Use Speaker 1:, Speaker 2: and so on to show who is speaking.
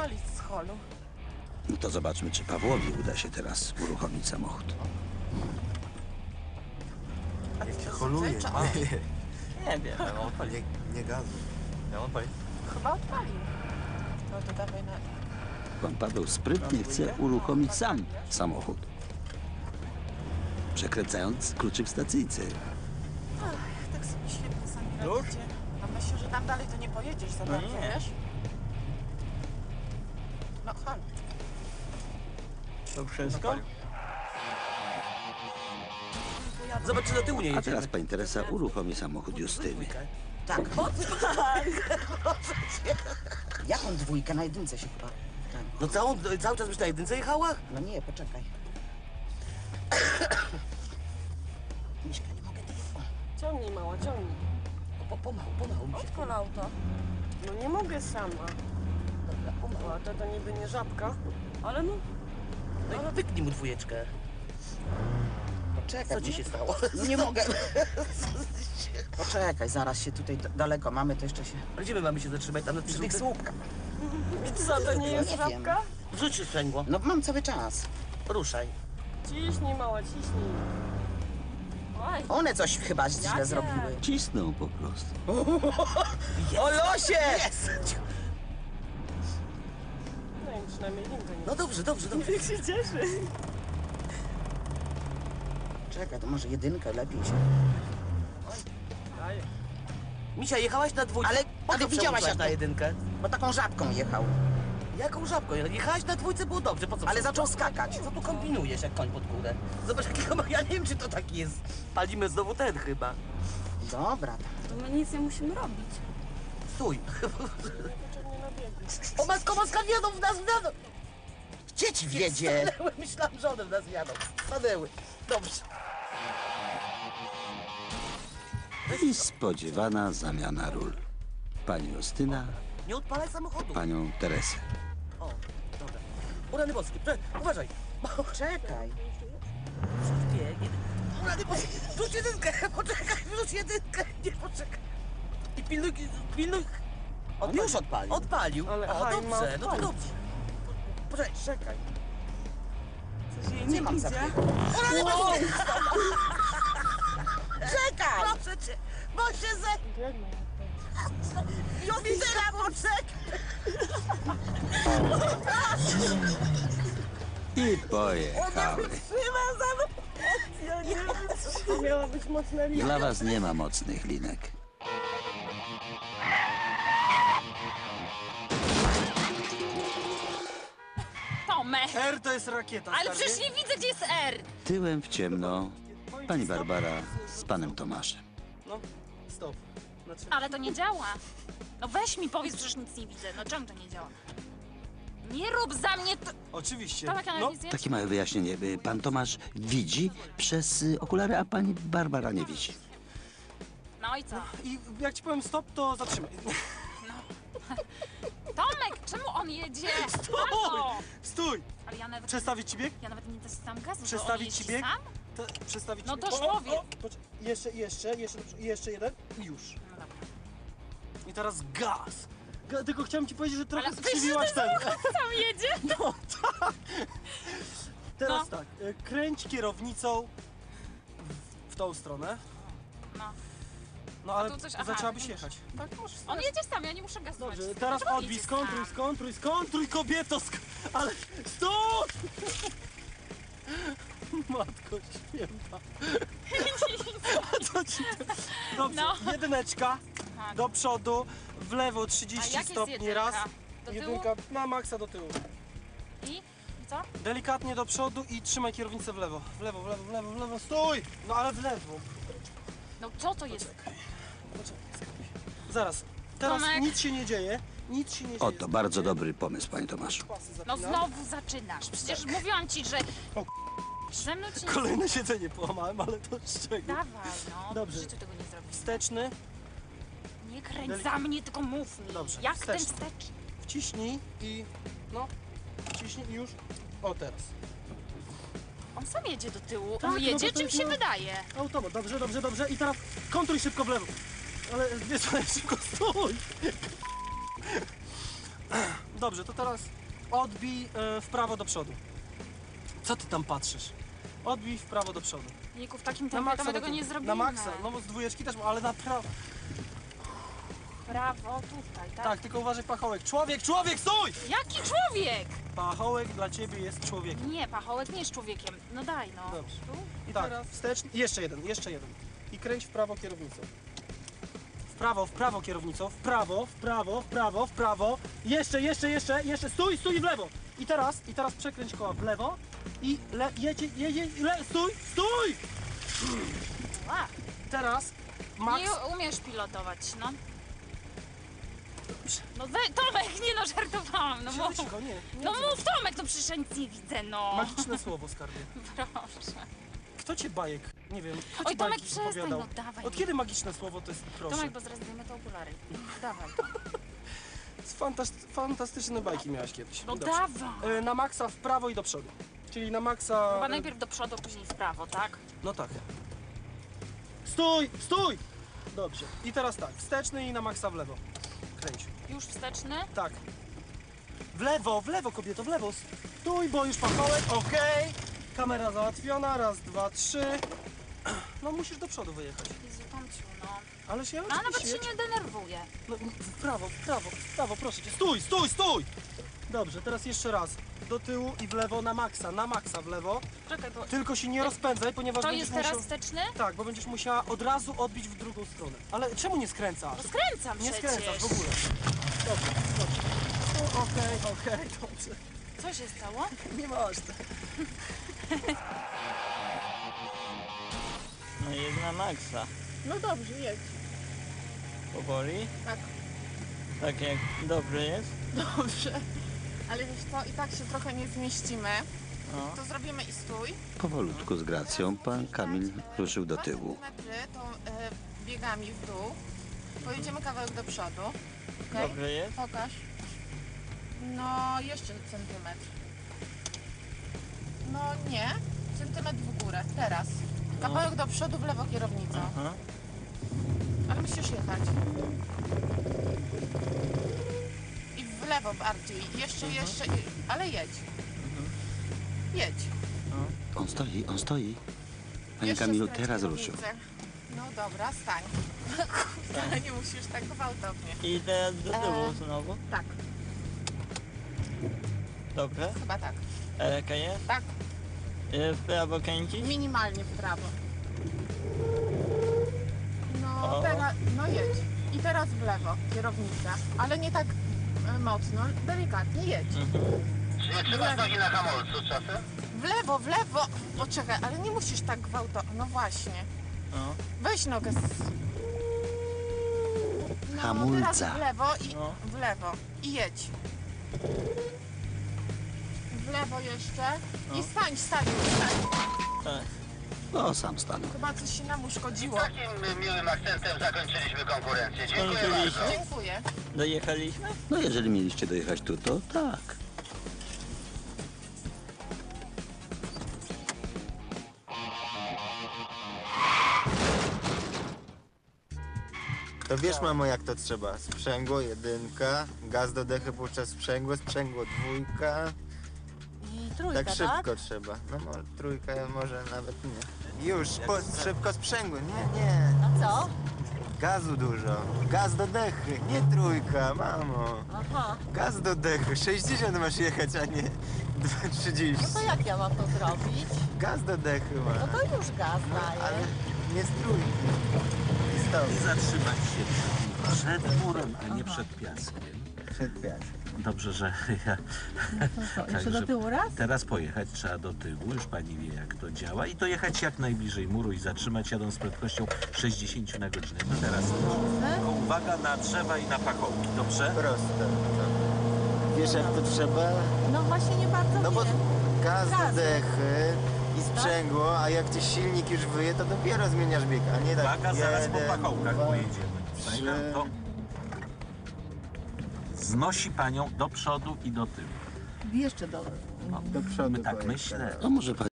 Speaker 1: odpalić z holu.
Speaker 2: No to zobaczmy, czy Pawłowi uda się teraz uruchomić samochód.
Speaker 1: A ty to
Speaker 3: Holuje.
Speaker 1: zazwyczaj-
Speaker 4: Nie wiem, ja mam odpalić.
Speaker 3: Nie gazu.
Speaker 4: Ja mam odpalić.
Speaker 1: Chyba odpalił. No to dawaj na...
Speaker 2: Pan Paweł sprytnie chce uruchomić sam samochód, przekręcając kluczyk w stacyjce.
Speaker 1: Ach, tak sobie świetnie sami
Speaker 4: Już?
Speaker 1: radzicie. A myślę, że tam dalej to nie pojedziesz za bardzo,
Speaker 4: nie.
Speaker 1: wiesz? No chodź.
Speaker 4: To wszystko? Zobacz, czy do tyłu nie
Speaker 2: A
Speaker 4: jedziemy.
Speaker 2: teraz pani Teresa uruchomi samochód Justyny.
Speaker 5: Tak. Jaką dwójkę? Na jedynce się chyba. Tak.
Speaker 4: No cały czas byś na jedynce jechała?
Speaker 5: No nie, poczekaj. Miśka, nie mogę tego.
Speaker 6: Ciągnij, mała, ciągnij.
Speaker 4: Pomału mi się.
Speaker 6: Odpal auto. No nie mogę sama.
Speaker 4: Dobra, pomału.
Speaker 6: O, to niby nie żabka, ale no...
Speaker 4: No i pyknij mu dwójeczkę.
Speaker 5: Poczekaj.
Speaker 4: Co ci się stało?
Speaker 5: No nie mogę. Poczekaj, zaraz się tutaj daleko mamy, to jeszcze się...
Speaker 4: A gdzie my mamy się zatrzymać? Tam na
Speaker 5: Przy tych słupkach.
Speaker 6: Co, to nie jest
Speaker 5: nie wiem.
Speaker 6: żabka?
Speaker 4: Wrzuć się sprzęgło.
Speaker 5: No mam cały czas.
Speaker 4: Ruszaj.
Speaker 6: Ciśnij, mała, ciśnij. Oj,
Speaker 5: One coś chyba źle
Speaker 6: Jakie?
Speaker 5: zrobiły.
Speaker 2: Cisnął po prostu.
Speaker 5: O losie!
Speaker 4: Jest!
Speaker 6: no i przynajmniej linkę nie...
Speaker 4: No dobrze.
Speaker 6: Jak się cieszy.
Speaker 5: Czekaj, to może jedynkę lepiej się...
Speaker 6: Daję.
Speaker 4: Misia, jechałaś na dwójkę.
Speaker 5: Ale
Speaker 4: co
Speaker 5: widziałaś
Speaker 4: przełączasz
Speaker 5: jak
Speaker 4: na jedynkę?
Speaker 5: Bo taką żabką jechał.
Speaker 4: Jaką żabką? Jechałaś na dwójce, było dobrze. Po co?
Speaker 5: Ale zaczął skakać.
Speaker 4: Co tu kombinujesz jak koń pod górę? Zobacz jakiego ma... Ja nie wiem, czy to taki jest. Palimy znowu ten chyba.
Speaker 5: Dobra.
Speaker 7: To my nic nie musimy robić.
Speaker 4: Stój.
Speaker 6: Niepotrzebnie na biegu.
Speaker 4: O matka, wjadą w nas, wjadą!
Speaker 5: Gdzie ci wiedzie?
Speaker 4: Stanęły, myślałam, że one w nas jadą. Stanęły. Dobrze.
Speaker 2: I spodziewana zamiana ról. Pani Justyna,
Speaker 4: Nie odpalaj samochodu.
Speaker 2: panią Teresę.
Speaker 4: O, dobra. Urany boskie, uważaj.
Speaker 5: Czekaj.
Speaker 4: Biegnie. Urany boskie, wrzuć jedynkę, poczekaj, wrzuć jedynkę. Nie, poczekaj. I pilnuj.
Speaker 5: On już odpalił.
Speaker 4: Odpalił.
Speaker 6: Ale
Speaker 4: O,
Speaker 6: aha, i ma
Speaker 4: dobrze, no to
Speaker 6: odpalić.
Speaker 4: dobrze. Poczekaj, czekaj.
Speaker 6: Coś jej
Speaker 5: Nie
Speaker 6: nie
Speaker 5: mam
Speaker 6: idzie.
Speaker 5: zabiegu. Czekaj!
Speaker 4: Proszę cię, bo się ze...
Speaker 6: Biegnie.
Speaker 4: Justyna, poczekaj.
Speaker 2: I pojechały.
Speaker 6: Ja nie wiem, to miała być mocna linia.
Speaker 2: Dla was nie ma mocnych linek.
Speaker 7: Tomek!
Speaker 3: R to jest rakieta,
Speaker 7: Ale
Speaker 3: stary.
Speaker 7: przecież nie widzę, gdzie jest R!
Speaker 2: Tyłem w ciemno pani Barbara z panem Tomaszem.
Speaker 3: No, stop. Znaczy...
Speaker 7: Ale to nie działa. No weź mi powiedz, przecież nic nie widzę. No czemu to nie działa? Nie rób za mnie to...
Speaker 3: Oczywiście.
Speaker 7: Tomek, ale
Speaker 3: No,
Speaker 7: nic nie...
Speaker 2: Takie małe wyjaśnienie. Pan Tomasz widzi przez okulary, a pani Barbara nie widzi.
Speaker 7: No i co?
Speaker 3: i jak ci powiem stop, to zatrzymaj.
Speaker 7: Tomek, czemu on jedzie? Halo!
Speaker 3: Stój!
Speaker 7: Ale ja nawet...
Speaker 3: Przestawić ci bieg?
Speaker 7: Ja nawet nie dostałam gazu, to on
Speaker 3: Przestawić
Speaker 7: jeździ
Speaker 3: ci bieg?
Speaker 7: sam?
Speaker 3: Przestawić
Speaker 7: No
Speaker 3: ci
Speaker 7: to
Speaker 3: bieg?
Speaker 7: człowiek.
Speaker 3: Jeszcze jeden i już.
Speaker 7: No dobra.
Speaker 3: I teraz gaz. Tylko chciałem ci powiedzieć, że trochę
Speaker 7: Ale
Speaker 3: skrzywiłaś ten.
Speaker 7: Sam jedzie?
Speaker 3: No tak. Teraz
Speaker 7: No.
Speaker 3: tak, kręć kierownicą w tą stronę.
Speaker 7: No.
Speaker 3: No ale
Speaker 7: tu coś- aha,
Speaker 3: zaczęłabyś
Speaker 7: widzisz.
Speaker 3: jechać. Tak, możesz.
Speaker 7: On jedzie sam, ja nie muszę gazować.
Speaker 3: Dobrze, teraz
Speaker 7: Dlaczego
Speaker 3: odbij,
Speaker 7: jedzie sam?
Speaker 3: skontruj, kobieto, ale stój! Matko święta. Co ci to? Dobrze,
Speaker 7: No.
Speaker 3: jedyneczka
Speaker 7: Tak.
Speaker 3: do przodu, w lewo
Speaker 7: A
Speaker 3: 30
Speaker 7: jak jest
Speaker 3: stopni
Speaker 7: jedynka?
Speaker 3: raz.
Speaker 7: Do tyłu?
Speaker 3: Jedynka na maksa do tyłu.
Speaker 7: I co?
Speaker 3: Delikatnie do przodu i trzymaj kierownicę w lewo. W lewo, stój! No ale w lewo.
Speaker 7: No co to jest?
Speaker 3: Poczekaj. Zaraz, teraz
Speaker 7: Tomek.
Speaker 3: nic się nie dzieje. Nic się nie dzieje.
Speaker 2: Oto bardzo dobry pomysł, panie Tomaszu.
Speaker 3: Pasy
Speaker 7: No
Speaker 3: zapinam.
Speaker 7: znowu zaczynasz. Przecież mówiłam ci, że...
Speaker 3: O,
Speaker 7: Ze mną ci nie...
Speaker 3: Kolejne siedzenie połamałem, ale to z czego?
Speaker 7: Dawaj, no.
Speaker 3: Dobrze.
Speaker 7: W życiu tego nie zrobisz.
Speaker 3: Wsteczny,
Speaker 7: Nie kręć za mnie, tylko mów mi.
Speaker 3: Dobrze,
Speaker 7: Jak
Speaker 3: wsteczny.
Speaker 7: ten wstecz?
Speaker 3: wciśnij i... No, wciśnij i już. O, teraz.
Speaker 7: On sam jedzie do tyłu.
Speaker 3: Tak,
Speaker 7: On
Speaker 3: no
Speaker 7: jedzie,
Speaker 3: bo to
Speaker 7: czym
Speaker 3: jest
Speaker 7: się
Speaker 3: no-
Speaker 7: wydaje?
Speaker 3: Automat, dobrze. I teraz kontruj szybko w lewo. Ale wiesz, ale szybko stój. dobrze, to teraz odbij w prawo do przodu. Co ty tam patrzysz? Odbij w prawo do przodu.
Speaker 7: Niku, w takim
Speaker 3: Na
Speaker 7: tempie
Speaker 3: maksa,
Speaker 7: to my tego nie zrobimy.
Speaker 3: na maksa, no z dwójeczki też, ale na prawo.
Speaker 7: Brawo, tutaj, tak?
Speaker 3: Tak, tylko uważaj pachołek. Człowiek, stój!
Speaker 7: Jaki człowiek?
Speaker 3: Pachołek dla ciebie jest człowiekiem.
Speaker 7: Nie, pachołek nie jest człowiekiem. No daj, no.
Speaker 3: Dobrze.
Speaker 7: Tu?
Speaker 3: I tak, wstecz, jeszcze jeden. I kręć w prawo kierownicą. W prawo kierownicą, w prawo. Jeszcze, stój i w lewo. I teraz przekręć koła w lewo i stój!
Speaker 7: A,
Speaker 3: Teraz, Max,
Speaker 7: nie umiesz pilotować, no. No Tomek, nie no, żartowałam, no mów.
Speaker 3: cicho, nie.
Speaker 7: No mów Tomek, no przecież ja nic nie widzę, no.
Speaker 3: Magiczne słowo, skarbie.
Speaker 7: Proszę.
Speaker 3: Kto cię bajek, nie wiem, kto ci
Speaker 7: Oj, Tomek,
Speaker 3: bajki
Speaker 7: przestań,
Speaker 3: opowiadał?
Speaker 7: no dawaj.
Speaker 3: Od kiedy magiczne słowo to jest, proszę?
Speaker 7: Tomek, bo zaraz zdejmę te okulary. Dawaj.
Speaker 3: Fantastyczne bajki miałaś kiedyś.
Speaker 7: No
Speaker 3: Dobrze.
Speaker 7: dawaj.
Speaker 3: Na maksa w prawo i do przodu. Czyli na maksa...
Speaker 7: Chyba najpierw do przodu, później w prawo, tak?
Speaker 3: No tak. Stój! Dobrze. I teraz tak, wsteczny i na maksa w lewo. Kręć.
Speaker 7: Już wsteczny?
Speaker 3: Tak. W lewo kobieto, w lewo. Stój, bo już pachołek, okej. Kamera załatwiona, raz, dwa, trzy. No musisz do przodu wyjechać.
Speaker 7: Jezu, Tomciu, no.
Speaker 3: Ale się
Speaker 7: No, a nawet
Speaker 3: oczywiście...
Speaker 7: się nie denerwuję.
Speaker 3: No, w prawo, proszę cię. Stój! Dobrze, teraz jeszcze raz. Do tyłu i w lewo na maksa w lewo.
Speaker 7: Czekaj, bo
Speaker 3: Tylko się nie rozpędzaj, ponieważ
Speaker 7: to
Speaker 3: będziesz
Speaker 7: jest teraz
Speaker 3: musiał...
Speaker 7: wsteczny?
Speaker 3: Tak, bo będziesz musiała od razu odbić w drugą stronę. Ale czemu nie skręcasz?
Speaker 7: No skręcam
Speaker 3: Nie
Speaker 7: przecież.
Speaker 3: skręcasz w ogóle. Dobrze. Okej, dobrze.
Speaker 7: Co się stało?
Speaker 3: Nieważne.
Speaker 6: No jest na maksa.
Speaker 1: No dobrze, jedź.
Speaker 6: Powoli?
Speaker 1: Tak.
Speaker 6: Tak jak dobrze jest?
Speaker 1: Dobrze. Ale wiesz co, i tak się trochę nie zmieścimy.
Speaker 6: No.
Speaker 1: To zrobimy i stój.
Speaker 2: Powolutku z gracją pan Kamil ruszył do tyłu.
Speaker 1: 2 centymetry tą biegami w dół. Pojedziemy kawałek do przodu. Okay?
Speaker 6: Dobrze jest?
Speaker 1: Pokaż. No, jeszcze centymetr. No nie. Centymetr w górę. Teraz. Kawałek do przodu, w lewo kierownicą.
Speaker 6: Aha.
Speaker 1: Ale musisz jechać. I w lewo bardziej. Jeszcze. Ale jedź. Jedź.
Speaker 2: On stoi. Panie
Speaker 1: Jeszcze
Speaker 2: Kamilu,
Speaker 1: skręć
Speaker 2: teraz
Speaker 1: kierownicę.
Speaker 2: ruszył.
Speaker 1: No dobra, stań. Ale nie musisz tak gwałtownie.
Speaker 6: I teraz do tyłu znowu?
Speaker 1: Tak,
Speaker 6: Dobrze?
Speaker 1: chyba tak.
Speaker 6: Jaka jest?
Speaker 1: Tak,
Speaker 6: W prawo kręcić?
Speaker 1: minimalnie w prawo. No
Speaker 6: O.
Speaker 1: teraz, no jedź. I teraz w lewo, kierownica. Ale nie tak mocno, delikatnie jedź.
Speaker 8: Nie trzymasz nogi na hamulcu czasem?
Speaker 1: W lewo. Poczekaj, ale nie musisz tak gwałtownie. No właśnie.
Speaker 6: No.
Speaker 1: Weź nogę z... No,
Speaker 2: Hamulca.
Speaker 1: teraz w lewo i
Speaker 6: No.
Speaker 1: w lewo. I jedź. W lewo jeszcze. I stań.
Speaker 6: Tak.
Speaker 2: No, sam stanął.
Speaker 1: Chyba coś się nam uszkodziło.
Speaker 8: Takim miłym akcentem zakończyliśmy konkurencję. Dziękuję
Speaker 6: Skończyliście?
Speaker 8: bardzo.
Speaker 1: Dziękuję.
Speaker 6: Dojechaliśmy?
Speaker 2: No, jeżeli mieliście dojechać tu, to tak.
Speaker 9: To wiesz, mamo, jak to trzeba. Sprzęgło, jedynka, gaz do dechy puszcza sprzęgło, dwójka.
Speaker 1: I trójka,
Speaker 9: Tak szybko trzeba. No trójka może nawet nie. Już, szybko sprzęgło. Nie.
Speaker 1: A co?
Speaker 9: Gazu dużo. Gaz do dechy, nie trójka, mamo.
Speaker 1: Aha.
Speaker 9: Gaz do dechy, 60 masz jechać, a nie 30.
Speaker 1: No to jak ja mam to zrobić?
Speaker 9: Gaz do dechy ma.
Speaker 1: No to już gaz daję.
Speaker 9: Ale nie z trójki. I stop.
Speaker 10: I zatrzymać się przed murem, a nie przed piaskiem.
Speaker 9: Przed piaskiem.
Speaker 10: Dobrze, że ja...
Speaker 1: Jeszcze do tyłu raz?
Speaker 10: Teraz pojechać trzeba do tyłu, już pani wie jak to działa. I dojechać jak najbliżej muru i zatrzymać jadąc z prędkością 60 na godzinę. No teraz tylko uwaga na drzewa i na pachołki, dobrze?
Speaker 9: Proste. Wiesz, jak to trzeba?
Speaker 1: No właśnie nie bardzo
Speaker 9: No bo
Speaker 1: wiem.
Speaker 9: gaz do
Speaker 1: Gazy.
Speaker 9: dechy i sprzęgło, a jak ci silnik już wyje, to dopiero zmieniasz bieg, a nie tak
Speaker 10: Uwaga, zaraz po
Speaker 9: jeden,
Speaker 10: pachołkach
Speaker 9: dwa,
Speaker 10: pojedziemy.
Speaker 9: trzy.
Speaker 10: To znosi panią do przodu i do tyłu.
Speaker 1: Jeszcze do...
Speaker 9: Do przodu
Speaker 10: My tak
Speaker 9: pojedź
Speaker 10: myślę.
Speaker 9: teraz.
Speaker 2: No, może pan